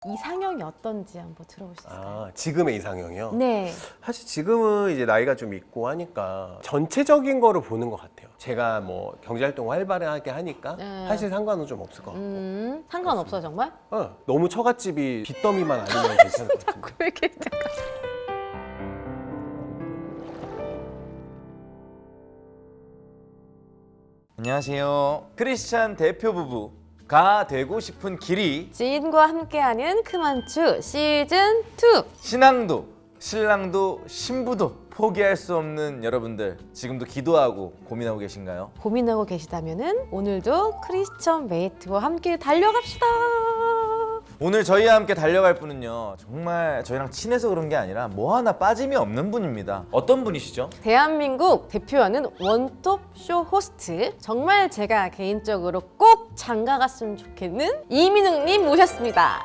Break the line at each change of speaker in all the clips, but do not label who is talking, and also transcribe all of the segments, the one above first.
이상형이 어떤지 한번 들어볼 수 있을까요?
아, 지금의 이상형이요?
네.
사실 지금은 이제 나이가 좀 있고 하니까 전체적인 거를 보는 것 같아요. 제가 뭐 경제활동 활발하게 하니까 사실 상관은 좀 없을 것 같고.
상관없어요, 정말?
너무 처갓집이 빚더미만 아니면 괜찮을 것 같은데.
왜 이렇게
안녕하세요. 크리스찬 대표 부부가 되고 싶은 길이
지인과 함께하는 크만추 시즌2.
신앙도 신랑도 신부도 포기할 수 없는 여러분들, 지금도 기도하고 고민하고 계신가요?
고민하고 계시다면은 오늘도 크리스천 메이트와 함께 달려갑시다.
오늘 저희와 함께 달려갈 분은요, 정말 저희랑 친해서 그런 게 아니라 뭐 하나 빠짐이 없는 분입니다. 어떤 분이시죠?
대한민국 대표하는 원톱 쇼 호스트, 정말 제가 개인적으로 꼭 장가갔으면 좋겠는 이민웅님 모셨습니다.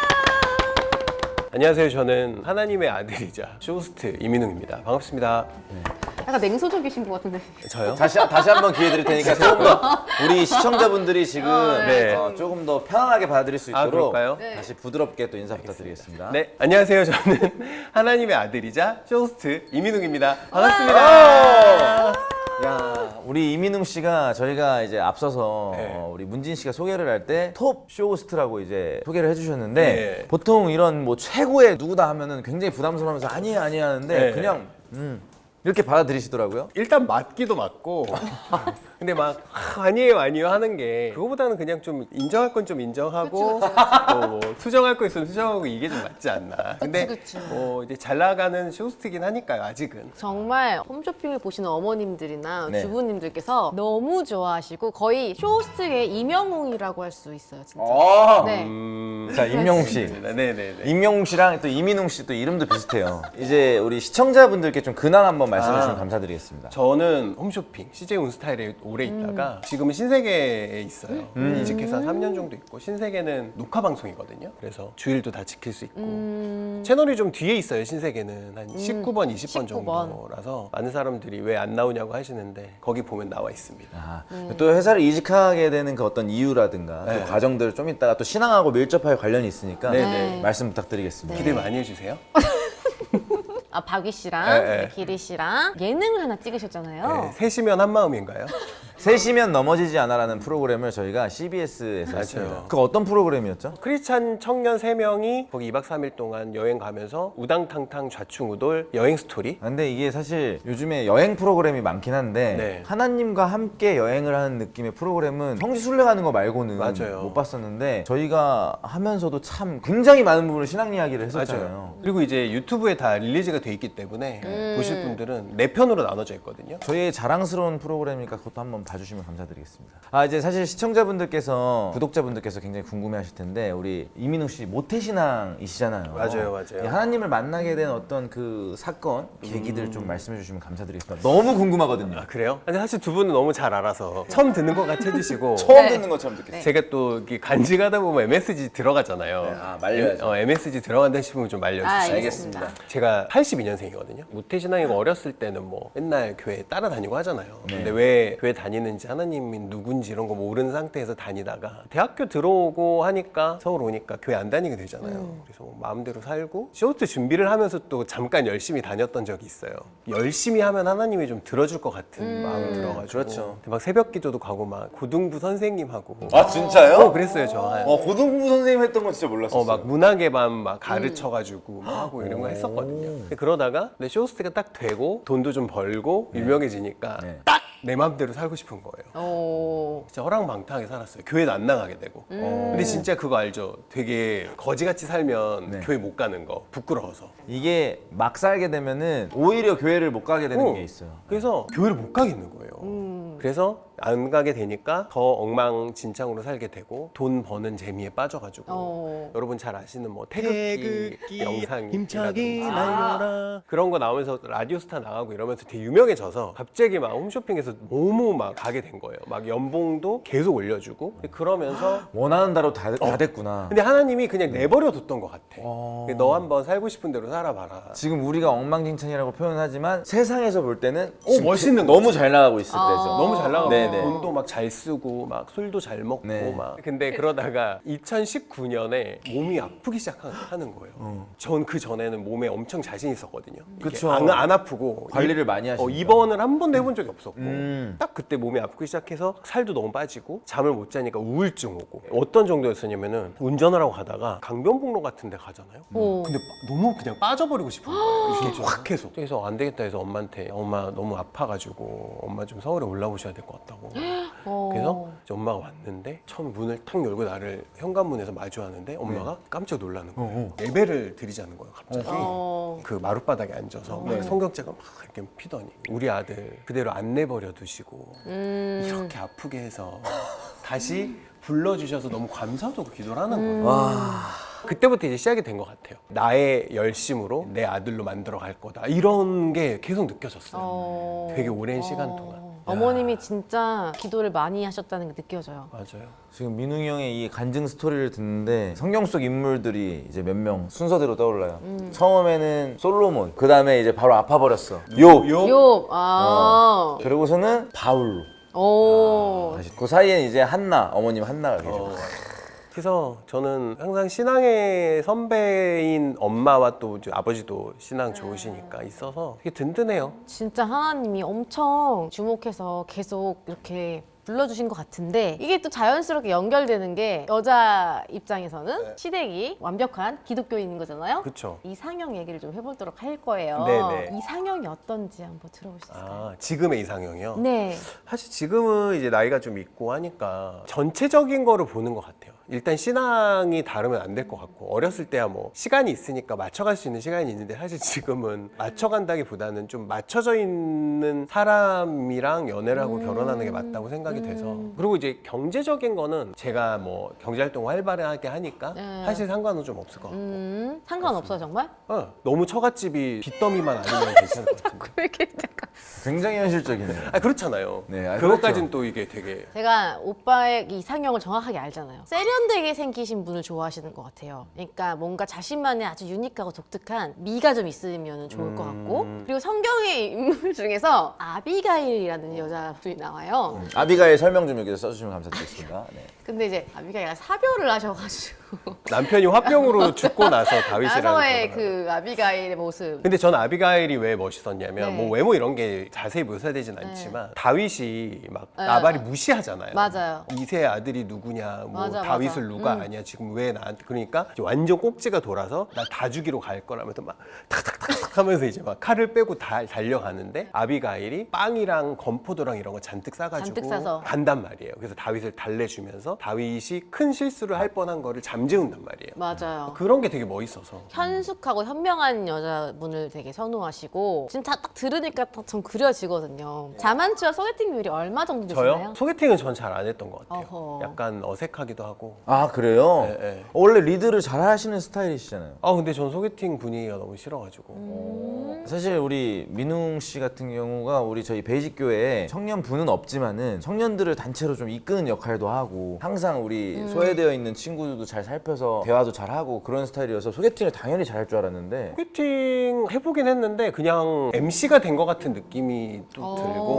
안녕하세요. 저는 하나님의 아들이자 쇼호스트 이민웅입니다. 반갑습니다.
약간 냉소적이신 것 같은데.
저요?
다시 한번 기회 드릴 테니까 조금 더 우리 시청자분들이 지금
네.
조금 더 편안하게 받아들일 수
아,
있도록
그럴까요?
다시 부드럽게 또 인사 부탁드리겠습니다.
네, 안녕하세요. 저는 하나님의 아들이자 쇼호스트 이민웅입니다. 반갑습니다.
야, 우리 이민웅 씨가 저희가 이제 앞서서
네.
우리 문진 씨가 소개를 할 때 톱 쇼호스트라고 이제 소개를 해주셨는데
네.
보통 이런 뭐 최고의 누구다 하면은 굉장히 부담스러워하면서 아니에요 하는데
네.
그냥 이렇게 받아들이시더라고요.
일단 맞기도 맞고 근데 막 아니에요 하는 게 그거보다는 그냥 좀 인정할 건 좀 인정하고 또 뭐 수정할 거 있으면 수정하고 이게 좀 맞지 않나. 근데
그치.
뭐 이제 잘 나가는 쇼호스트긴 하니까요, 아직은.
정말 홈쇼핑을 보시는 어머님들이나
네.
주부님들께서 너무 좋아하시고 거의 쇼호스트의 이명웅이라고 할 수 있어요, 진짜. 네.
자, 임영웅 씨.
네네네.
임영웅 씨랑 또 이민웅 씨 또 이름도 비슷해요. 이제 우리 시청자분들께 좀 근황 한번 말씀해 주시면 감사드리겠습니다.
저는 홈쇼핑 CJ 온스타일에 오래 있다가 지금은 신세계에 있어요. 이직해서 3년 정도 있고, 신세계는 녹화 방송이거든요. 그래서 주일도 다 지킬 수 있고 채널이 좀 뒤에 있어요. 신세계는 한 19번, 20번
19번.
정도라서 많은 사람들이 왜 안 나오냐고 하시는데 거기 보면 나와 있습니다.
아, 또 회사를 이직하게 되는 그 어떤 이유라든가
네.
그 과정들을 좀 이따가 또 신앙하고 밀접하게 관련이 있으니까
네네.
말씀 부탁드리겠습니다.
기대 많이 해주세요.
아, 박위 씨랑
네.
기리 씨랑 예능을 하나 찍으셨잖아요.
네, 셋이면 한 마음인가요?
셋이면 넘어지지 않아라는 프로그램을 저희가 CBS에서
맞아요.
했습니다. 그 어떤 프로그램이었죠?
크리스찬 청년 3명이 거기 2박 3일 동안 여행 가면서 우당탕탕 좌충우돌 여행 스토리.
근데 이게 사실 요즘에 여행 프로그램이 많긴 한데
네.
하나님과 함께 여행을 하는 느낌의 프로그램은 성지순례 가는 거 말고는
맞아요.
못 봤었는데 저희가 하면서도 참 굉장히 많은 부분을 신앙 이야기를 했었잖아요.
그리고 이제 유튜브에 다 릴리즈가 돼 있기 때문에 보실 분들은 4편으로 나눠져 있거든요.
저희의 자랑스러운 프로그램이니까 그것도 한번 봐주시면 감사드리겠습니다. 아, 이제 사실 시청자분들께서 구독자분들께서 굉장히 궁금해하실 텐데 우리 이민웅 씨 모태신앙이시잖아요.
맞아요.
이 하나님을 만나게 된 어떤 그 사건 계기들 좀 말씀해주시면 감사드리겠습니다. 너무 궁금하거든요.
아, 그래요? 근데 사실 두 분은 너무 잘 알아서 처음 듣는 것 같이 해주시고
처음
네.
듣는 것처럼 듣겠어요.
제가 또 이렇게 간직하다 보면 MSG 들어가잖아요.
아, 말려야죠.
MSG 들어간다 싶으면 좀 말려주세요.
아,
알겠습니다.
제가 82년생이거든요. 모태신앙이고 어렸을 때는 뭐 맨날 교회 따라다니고 하잖아요. 근데 왜 교회 다니는지 하나님이 누군지 이런 거 모르는 상태에서 다니다가 대학교 들어오고 하니까 서울 오니까 교회 안 다니게 되잖아요. 그래서 뭐 마음대로 살고 쇼트 준비를 하면서 또 잠깐 열심히 다녔던 적이 있어요. 열심히 하면 하나님이 좀 들어줄 것 같은 마음이 들어가지고
그렇죠.
막 새벽 기도도 가고 막 고등부 선생님하고
아, 진짜요?
그랬어요 저.
고등부 선생님 했던 건 진짜 몰랐어요.
막 문학의 밤 막 가르쳐가지고 막 하고 이런 거 했었거든요. 근데 그러다가 내 쇼호스트가 딱 되고 돈도 좀 벌고 유명해지니까
네.
딱 내 맘대로 살고 싶은 거예요.
오.
진짜 허랑방탕하게 살았어요. 교회도 안 나가게 되고. 근데 진짜 그거 알죠? 되게 거지같이 살면
네.
교회 못 가는 거 부끄러워서.
이게 막 살게 되면은 오히려 교회를 못 가게 되는
어.
게 있어요.
그래서 교회를 못 가겠는 거예요. 그래서 안 가게 되니까 더 엉망진창으로 살게 되고 돈 버는 재미에 빠져가지고 여러분 잘 아시는 뭐 태극기 영상이라든지 그런 거 나오면서 라디오스타 나가고 이러면서 되게 유명해져서 갑자기 막 홈쇼핑에서 너무 막 가게 된 거예요. 막 연봉도 계속 올려주고 그러면서
원하는 대로 다 됐구나.
근데 하나님이 그냥 내버려 뒀던 것 같아. 너 한번 살고 싶은 대로 살아봐라.
지금 우리가 엉망진창이라고 표현하지만 세상에서 볼 때는
멋있는
너무 잘 나가고 있을 때죠.
너무 잘 나가고
네, 네네.
돈도 막 잘 쓰고 막 술도 잘 먹고
네.
막 근데 그러다가 2019년에 몸이 아프기 시작하는 거예요. 전 그 전에는 몸에 엄청 자신 있었거든요. 이게
그쵸.
안 아프고
관리를 많이 하시니까.
입원을 한 번도 해본 적이 없었고
음.
딱 그때 몸이 아프기 시작해서 살도 너무 빠지고 잠을 못 자니까 우울증 오고 어떤 정도였었냐면은 운전을 하고 가다가 강변북로 같은 데 가잖아요.
오.
근데 너무 그냥 빠져버리고 싶은 거예요. 이게 확 해서. 그래서 안 되겠다 해서 엄마한테 엄마 너무 아파가지고 엄마 좀 서울에 올라오셔야 될 것 같다고. 그래서 이제 엄마가 왔는데 처음 문을 탁 열고 나를 현관문에서 마주하는데 엄마가 깜짝 놀라는 거예요. 예배를 드리자는 거예요 갑자기. 그 마룻바닥에 앉아서 막 성경책을 막 이렇게 피더니 우리 아들 그대로 안 내버려 두시고 이렇게 아프게 해서 다시 불러주셔서 너무 감사하다고 기도를 하는 거예요.
와.
그때부터 이제 시작이 된 것 같아요. 나의 열심으로 내 아들로 만들어 갈 거다. 이런 게 계속 느껴졌어요. 되게 오랜 시간 동안.
어머님이 진짜 기도를 많이 하셨다는 게 느껴져요.
맞아요.
지금 민웅이 형의 이 간증 스토리를 듣는데 성경 속 인물들이 이제 몇 명 순서대로 떠올라요. 처음에는 솔로몬, 그 다음에 이제 바로 아파버렸어. 욥.
욥. 아.
그리고서는 바울로.
오.
그 사이에 이제 한나, 어머님 한나가 계셔.
그래서 저는 항상 신앙의 선배인 엄마와 또 이제 아버지도 신앙 좋으시니까 있어서 되게 든든해요.
진짜 하나님이 엄청 주목해서 계속 이렇게 불러주신 것 같은데 이게 또 자연스럽게 연결되는 게 여자 입장에서는 시댁이 완벽한 기독교인인 거잖아요.
그렇죠.
이상형 얘기를 좀 해보도록 할 거예요.
네네.
이상형이 어떤지 한번 들어볼 수 있을까요?
아, 지금의 이상형이요?
네.
사실 지금은 이제 나이가 좀 있고 하니까 전체적인 거를 보는 것 같아요. 일단 신앙이 다르면 안 될 것 같고 어렸을 때야 뭐 시간이 있으니까 맞춰갈 수 있는 시간이 있는데 사실 지금은 맞춰간다기보다는 좀 맞춰져 있는 사람이랑 연애를 하고 결혼하는 게 맞다고 생각이 돼서 그리고 이제 경제적인 거는 제가 뭐 경제활동을 활발하게 하니까 사실 상관은 좀 없을 것 같고
상관없어요 정말?
너무 처갓집이 빚더미만 아니면 괜찮을 것 같은데
왜 이렇게 잠깐.
굉장히 현실적이네요.
아 그렇잖아요.
네, 아,
그것까지는
그렇죠.
또 이게 되게
제가 오빠의 이상형을 정확하게 알잖아요. 세련되게 생기신 분을 좋아하시는 것 같아요. 그러니까 뭔가 자신만의 아주 유니크하고 독특한 미가 좀 있으면 좋을 것 같고 그리고 성경의 인물 중에서 아비가일이라는 여자분이 나와요.
아비가일 설명 좀 여기서 써주시면 감사드리겠습니다. 네.
근데 이제 아비가일가 사별을 하셔가지고
남편이 화병으로 죽고 나서 다윗이라는
나서의
결혼을
그 아비가일의 모습.
근데 전 아비가일이 왜 멋있었냐면
네.
뭐 외모 이런 게 자세히 묘사되진 않지만 다윗이 막 나발이 무시하잖아요.
맞아요.
이세 아들이 누구냐, 뭐
맞아,
다윗을
맞아.
누가 아냐, 지금 왜 나한테 그러니까 이제 완전 꼭지가 돌아서 나 다 죽이러 갈 거라면서 막 탁탁탁탁 하면서 이제 막 칼을 빼고 다 달려가는데 아비가일이 빵이랑 건포도랑 이런 거 잔뜩 싸가지고
잔뜩 싸서.
간단 말이에요. 그래서 다윗을 달래주면서 다윗이 큰 실수를 할 뻔한 거를 잠재운단 말이에요.
맞아요.
그런 게 되게 멋있어서.
현숙하고 현명한 여자분을 되게 선호하시고 지금 다 딱 들으니까 좀 그려지거든요. 자만추와 소개팅 비율이 얼마 정도 되시나요?
저요? 소개팅은 전 잘 안 했던 것 같아요.
어허.
약간 어색하기도 하고.
아 그래요?
네, 네.
원래 리드를 잘 하시는 스타일이시잖아요.
아 근데 전 소개팅 분위기가 너무 싫어가지고.
사실 우리 민웅 씨 같은 경우가 우리 저희 베이직 교회에 청년부는 없지만은 청년들을 단체로 좀 이끄는 역할도 하고 항상 우리 소외되어 있는 친구들도 잘 살펴서 대화도 잘 하고 그런 스타일이어서 소개팅을 당연히 잘할 줄 알았는데
소개팅 해보긴 했는데 그냥 MC가 된 것 같은 느낌이 또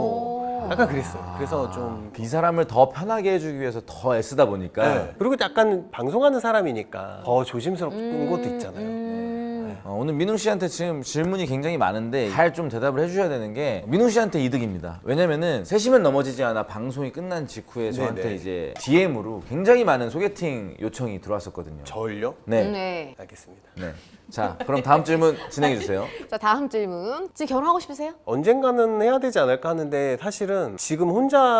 들고 약간 그랬어요. 그래서 좀
이 사람을 더 편하게 해주기 위해서 더 애쓰다 보니까
네. 그리고 약간 방송하는 사람이니까 더 조심스러운 것도 있잖아요.
오늘 민웅 씨한테 지금 질문이 굉장히 많은데 잘 좀 대답을 해주셔야 되는 게 민웅 씨한테 이득입니다. 왜냐면은 세시면 넘어지지 않아 방송이 끝난 직후에 저한테
네네.
이제 DM으로 굉장히 많은 소개팅 요청이 들어왔었거든요.
저를요?
네.
네.
알겠습니다.
네. 자, 그럼 다음 질문 진행해 주세요.
자 다음 질문. 지금 결혼하고 싶으세요?
언젠가는 해야 되지 않을까 하는데 사실은 지금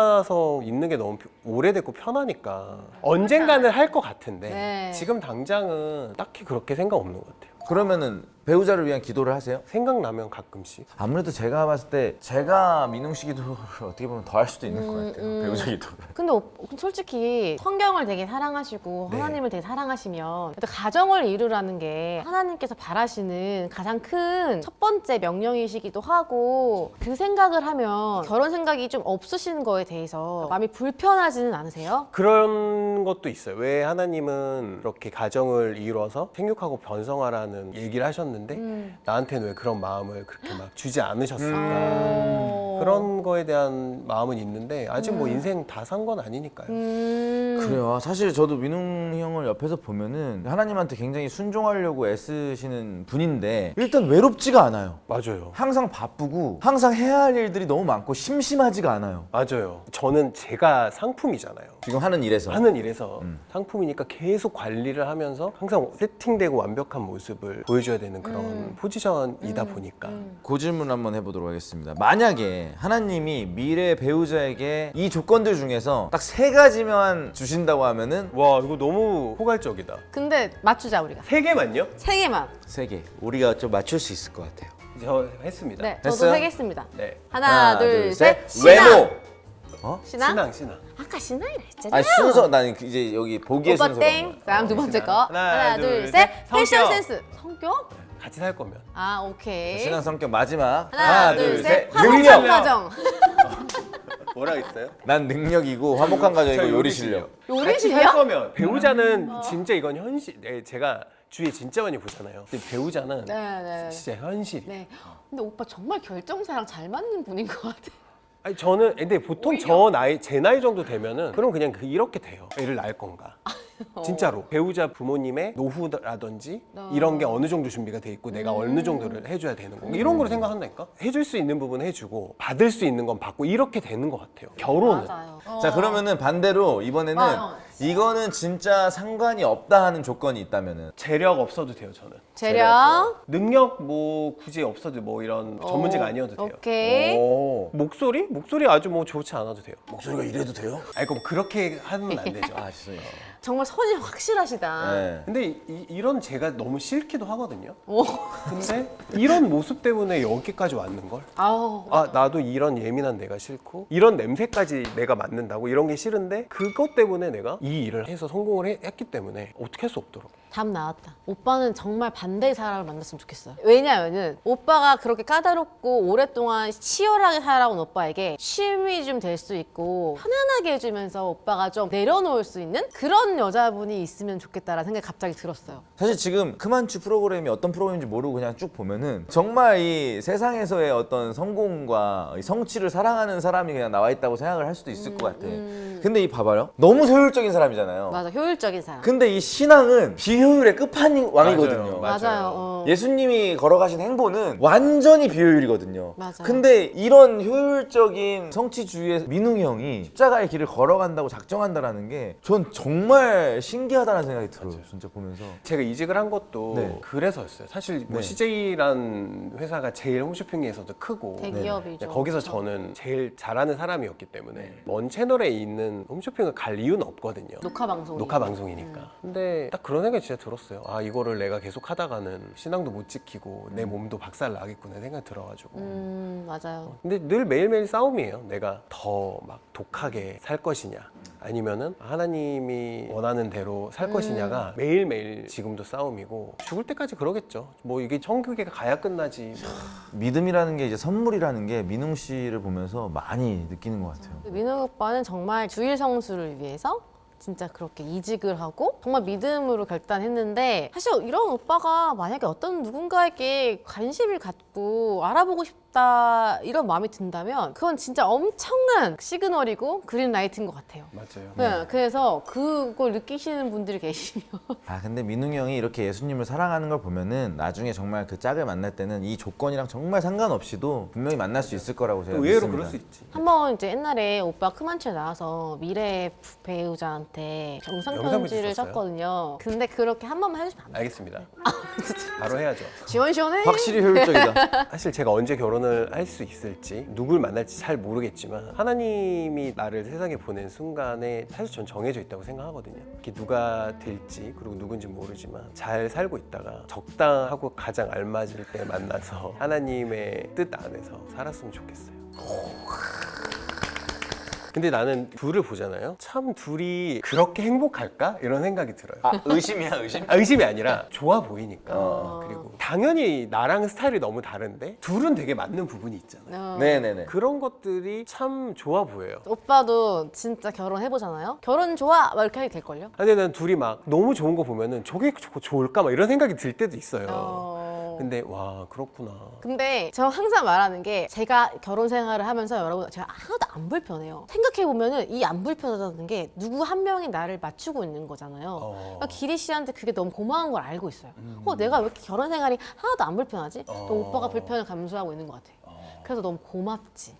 혼자서 있는 게 너무 오래됐고 편하니까 언젠가는 할 것 같은데
네.
지금 당장은 딱히 그렇게 생각 없는 것 같아요.
그러면은 배우자를 위한 기도를 하세요?
생각나면 가끔씩.
아무래도 제가 봤을 때 제가 민웅 씨 기도를 어떻게 보면 더 할 수도 있는 것 같아요. 배우자 기도를.
근데 솔직히 성경을 되게 사랑하시고
네.
하나님을 되게 사랑하시면 또 가정을 이루라는 게 하나님께서 바라시는 가장 큰 첫 번째 명령이시기도 하고 그 생각을 하면 결혼 생각이 좀 없으신 거에 대해서 마음이 불편하지는 않으세요?
그런 것도 있어요. 왜 하나님은 이렇게 가정을 이루어서 생육하고 번성하라는 사랑한다는 얘기를 하셨는데 나한테는 왜 그런 마음을 그렇게 막 주지 않으셨을까. 그런 거에 대한 마음은 있는데 아직 뭐 인생 다 산 건 아니니까요.
그래요. 사실 저도 민웅 형을 옆에서 보면은 하나님한테 굉장히 순종하려고 애쓰시는 분인데 일단 외롭지가 않아요.
맞아요.
항상 바쁘고 항상 해야 할 일들이 너무 많고 심심하지가 않아요.
맞아요. 저는 제가 상품이잖아요.
지금 하는 일에서.
하는 일에서 상품이니까 계속 관리를 하면서 항상 세팅되고 완벽한 모습을 보여줘야 되는 그런 포지션이다 보니까
그 질문 한번 해보도록 하겠습니다. 만약에 하나님이 미래 배우자에게 이 조건들 중에서 딱 3가지만 주신다고 하면은
와 이거 너무 포괄적이다.
근데 맞추자 우리가.
3개만요?
3개만.
3개. 우리가 좀 맞출 수 있을 것 같아요.
저 했습니다.
네, 저도
했어요?
3개 했습니다.
네.
하나, 둘, 셋.
외모.
신앙?
신앙.
아까 신앙이라 했잖아.
아니 순서 나는 이제 여기 보기의
오빠
순서가
땡.
뭐야?
그다음 두 번째 거.
하나,
하나, 둘,
둘,
셋.
셋.
패션
성격.
센스. 성격?
같이 살 거면.
아, 오케이.
신앙 성격 마지막.
하나, 둘, 셋.
능력.
화목한 가정.
뭐라 했어요?
난 능력이고 화목한 가정이고
저
요리 실력.
요리
같이 살
실력?
거면 배우자는 진짜 이건 현실. 네, 제가 주위에 진짜 많이 보잖아요. 근데 배우자는
네.
진짜 현실이.
네. 근데 오빠 정말 결정사랑 잘 맞는 분인 것 같아.
아니 저는 근데 보통 제 나이 정도 되면은 그럼 그냥 이렇게 돼요. 애를 낳을 건가? 진짜로 배우자 부모님의 노후라든지 이런 게 어느 정도 준비가 돼 있고 내가 어느 정도를 해줘야 되는 건가 이런 거를 생각한다니까. 해줄 수 있는 부분 해주고 받을 수 있는 건 받고 이렇게 되는 것 같아요. 결혼은.
맞아요.
자 그러면은 반대로 이번에는 이거는 진짜 상관이 없다 하는 조건이 있다면은
재력 없어도 돼요 저는.
재력.
능력 뭐 굳이 없어도 뭐 이런 전문직 아니어도 돼요.
오케이.
오.
목소리 아주 뭐 좋지 않아도 돼요.
목소리가 이래도 돼요?
아니 그럼 그렇게 하면 안 되죠.
아 죄송해요.
정말 선이 확실하시다.
네.
근데 이런 제가 너무 싫기도 하거든요.
오.
근데 이런 모습 때문에 여기까지 왔는 걸.
아우.
아 나도 이런 예민한 내가 싫고 이런 냄새까지 내가 맡는다고 이런 게 싫은데 그것 때문에 내가 이 일을 해서 성공을 했기 때문에 어떻게 할 수 없더라고.
답 나왔다. 오빠는 정말 반대의 사람을 만났으면 좋겠어요. 왜냐면은 오빠가 그렇게 까다롭고 오랫동안 치열하게 살아온 오빠에게 쉼이 좀 될 수 있고 편안하게 해주면서 오빠가 좀 내려놓을 수 있는 그런 여자분이 있으면 좋겠다라는 생각이 갑자기 들었어요.
사실 지금 크만추 프로그램이 어떤 프로그램인지 모르고 그냥 쭉 보면은 정말 이 세상에서의 어떤 성공과 이 성취를 사랑하는 사람이 그냥 나와 있다고 생각을 할 수도 있을 것 같아. 근데 이 봐봐요. 너무 효율적인 사람이잖아요.
맞아, 효율적인 사람.
근데 이 신앙은 비효율의 끝판왕이거든요.
맞아요.
예수님이 걸어가신 행보는 완전히 비효율이거든요.
맞아요.
근데 이런 효율적인 성취주의의 민웅이 형이 십자가의 길을 걸어간다고 작정한다라는 게 전 정말 신기하다는 생각이 들어요. 진짜 보면서.
제가 이직을 한 것도
네.
그래서였어요. 사실 뭐
네.
CJ라는 회사가 제일 홈쇼핑에서도 크고
대기업이죠.
거기서 저는 제일 잘하는 사람이었기 때문에 먼 채널에 있는 홈쇼핑을 갈 이유는 없거든요.
녹화 방송.
녹화 방송이니까. 근데 딱 그런 생각이 진짜 들었어요. 아 이거를 내가 계속 하다가는 신앙도 못 지키고 내 몸도 박살 나겠구나 생각이 들어가지고.
맞아요.
근데 늘 매일매일 싸움이에요. 내가 더 막 독하게 살 것이냐 아니면은 하나님이 원하는 대로 살 것이냐가 매일매일 지금도 싸움이고 죽을 때까지 그러겠죠. 뭐 이게 천국에 가야 끝나지 뭐.
믿음이라는 게 이제 선물이라는 게 민웅 씨를 보면서 많이 느끼는 것 같아요.
민우 오빠는 정말 주일 성수를 위해서 진짜 그렇게 이직을 하고 정말 믿음으로 결단했는데 사실 이런 오빠가 만약에 어떤 누군가에게 관심을 갖고 알아보고 싶다 이런 마음이 든다면 그건 진짜 엄청난 시그널이고 그린라이트인 것 같아요.
맞아요.
네, 그래서 그걸 느끼시는 분들이 계시면
아 근데 민웅이 형이 이렇게 예수님을 사랑하는 걸 보면은 나중에 정말 그 짝을 만날 때는 이 조건이랑 정말 상관없이도 분명히 만날 수 있을 거라고 제가
의외로
믿습니다.
그럴 수 있지.
한번 이제 옛날에 오빠 크만추에 나와서 미래 배우자한테 영상
영상
편지를
편지 썼어요?
썼거든요. 근데 그렇게 한 번만 해주시면 안 돼요?
알겠습니다. 바로 해야죠.
시원시원해.
확실히 효율적이다.
사실 제가 언제 결혼을 할 수 있을지 누굴 만날지 잘 모르겠지만 하나님이 나를 세상에 보낸 순간에 사실 전 정해져 있다고 생각하거든요. 이게 누가 될지 그리고 누군지 모르지만 잘 살고 있다가 적당하고 가장 알맞을 때 만나서 하나님의 뜻 안에서 살았으면 좋겠어요. 근데 나는 둘을 보잖아요. 참 둘이 그렇게 행복할까? 이런 생각이 들어요.
아, 의심이야, 의심?
의심이 아니라 좋아 보이니까. 그리고 당연히 나랑 스타일이 너무 다른데 둘은 되게 맞는 부분이 있잖아요.
네네네.
그런 것들이 참 좋아 보여요.
오빠도 진짜 결혼해보잖아요? 결혼 좋아? 막 이렇게 하게 될걸요?
근데 난 둘이 막 너무 좋은 거 보면은 저게 좋을까? 막 이런 생각이 들 때도 있어요. 근데 와 그렇구나.
근데 저 항상 말하는 게 제가 결혼 생활을 하면서 여러분 제가 하나도 안 불편해요. 생각해보면은 이 안 불편하다는 게 누구 한 명이 나를 맞추고 있는 거잖아요. 그러니까 기리 씨한테 그게 너무 고마운 걸 알고 있어요. 내가 왜 이렇게 결혼 생활이 하나도 안 불편하지? 또 오빠가 불편을 감수하고 있는 것 같아요. 그래서 너무 고맙지.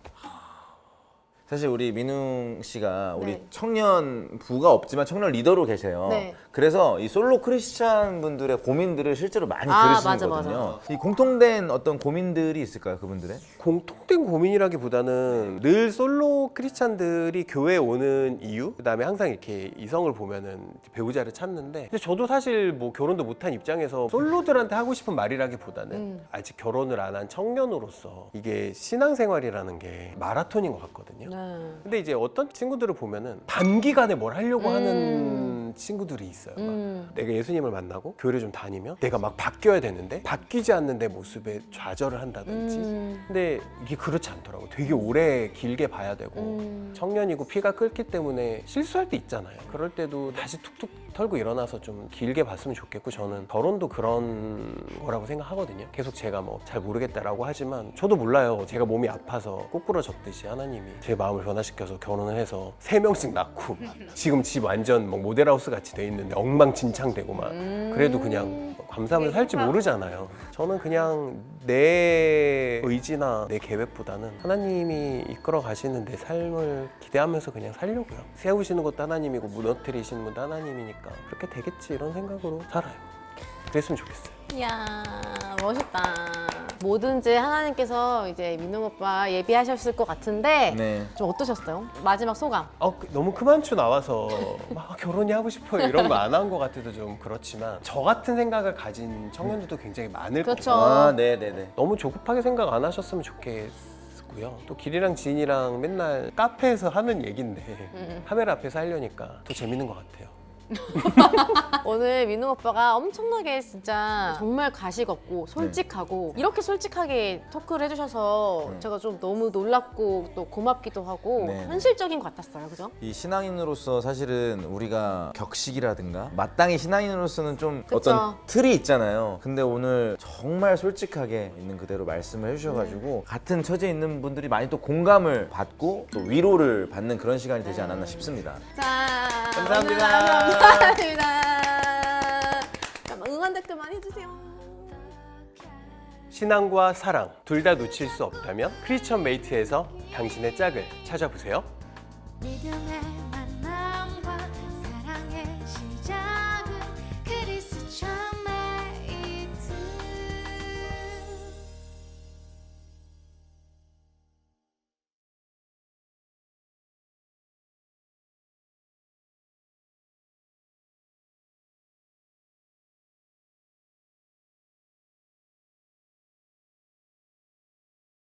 사실 우리 민웅 씨가 우리
네.
청년 부가 없지만 청년 리더로 계세요.
네.
그래서 이 솔로 크리스찬 분들의 고민들을 실제로 많이
맞아,
들으시거든요. 이 공통된 어떤 고민들이 있을까요, 그분들의?
공통된 고민이라기보다는 늘 솔로 크리스찬들이 교회에 오는 이유, 그다음에 항상 이렇게 이성을 보면은 배우자를 찾는데, 근데 저도 사실 뭐 결혼도 못한 입장에서 솔로들한테 하고 싶은 말이라기보다는 아직 결혼을 안 한 청년으로서 이게 신앙생활이라는 게 마라톤인 것 같거든요. 근데 이제 어떤 친구들을 보면은 단기간에 뭘 하려고 하는 친구들이 있어요. 막 내가 예수님을 만나고 교회를 좀 다니면 내가 막 바뀌어야 되는데 바뀌지 않는 내 모습에 좌절을 한다든지. 근데 이게 그렇지 않더라고. 되게 오래 길게 봐야 되고 청년이고 피가 끓기 때문에 실수할 때 있잖아요. 그럴 때도 다시 툭툭 털고 일어나서 좀 길게 봤으면 좋겠고, 저는 결혼도 그런 거라고 생각하거든요. 계속 제가 뭐 잘 모르겠다라고 하지만 저도 몰라요. 제가 몸이 아파서 꼬꾸라졌듯이 하나님이 제 마음을 변화시켜서 결혼을 해서 3명씩 낳고 지금 집 완전 막 모델하우스 같이 돼 있는데 엉망진창되고 막 그래도 그냥 감사하면서 살지 모르잖아요. 저는 그냥 내 의지나 내 계획보다는 하나님이 이끌어 가시는 내 삶을 기대하면서 그냥 살려고요. 세우시는 것도 하나님이고 무너뜨리시는 것도 하나님이니까 그렇게 되겠지 이런 생각으로 살아요. 그랬으면 좋겠어요.
이야, 멋있다. 뭐든지 하나님께서 이제 민웅 오빠 예비하셨을 것 같은데
네.
좀 어떠셨어요? 마지막 소감.
너무 크만추 나와서 막 결혼이 하고 싶어요 이런 거 안 한 것 같아도 좀 그렇지만, 저 같은 생각을 가진 청년들도 굉장히 많을
그렇죠.
거고,
아, 네네네.
너무 조급하게 생각 안 하셨으면 좋겠고요. 또 길이랑 지인이랑 맨날 카페에서 하는 얘긴데 카메라 앞에서 하려니까 더 재밌는 것 같아요.
오늘 민웅 오빠가 엄청나게 진짜 정말 가식 없고 솔직하고 이렇게 솔직하게 토크를 해주셔서 제가 좀 너무 놀랍고 또 고맙기도 하고
네.
현실적인 것 같았어요. 그죠?
이 신앙인으로서 사실은 우리가 격식이라든가 마땅히 신앙인으로서는 좀
그쵸.
어떤 틀이 있잖아요. 근데 오늘 정말 솔직하게 있는 그대로 말씀을 해주셔가지고 같은 처지에 있는 분들이 많이 또 공감을 받고 또 위로를 받는 그런 시간이 되지 않았나 싶습니다.
자,
감사합니다.
오늘 감사합니다. 응원 댓글 많이 해주세요.
신앙과 사랑 둘 다 놓칠 수 없다면 크리스천 메이트에서 당신의 짝을 찾아보세요.
믿음의